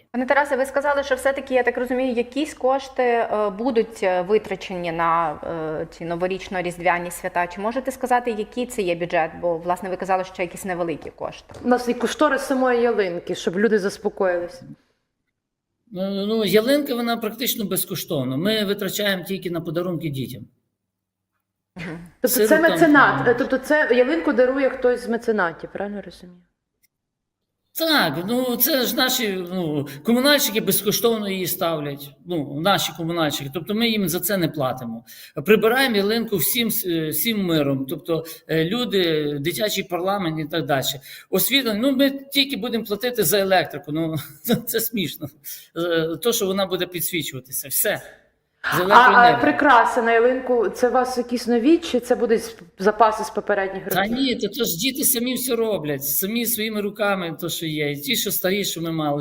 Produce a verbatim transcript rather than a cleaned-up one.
немає. Пане Тарасе, ви сказали, що все-таки, я так розумію, якісь кошти е, будуть витрачені на е, ці новорічно-різдвяні свята. Чи можете сказати, який це є бюджет? Бо, власне, ви казали, що якісь невеликі кошти. У нас і кошторис самої ялинки, щоб люди заспокоїлися. Ну, ну, ялинка, вона практично безкоштовна. Ми витрачаємо тільки на подарунки дітям. Тобто це Сиротам, меценат, ну. тобто це ялинку дарує хтось з меценатів, правильно розумію? Так, ну це ж наші ну, комунальщики безкоштовно її ставлять. Ну, наші комунальщики. Тобто ми їм за це не платимо. Прибираємо ялинку всім, всім миром. Тобто люди, дитячий парламент і так далі. Освітлення, ну ми тільки будемо платити за електрику. Ну це смішно. То, що вона буде підсвічуватися. Все. А, а прикраси на ялинку, це у вас якісь нові, чи це будуть запаси з попередніх років? Та ні, то, то ж діти самі все роблять, самі своїми руками, то що є. І ті, що старі, що ми мали.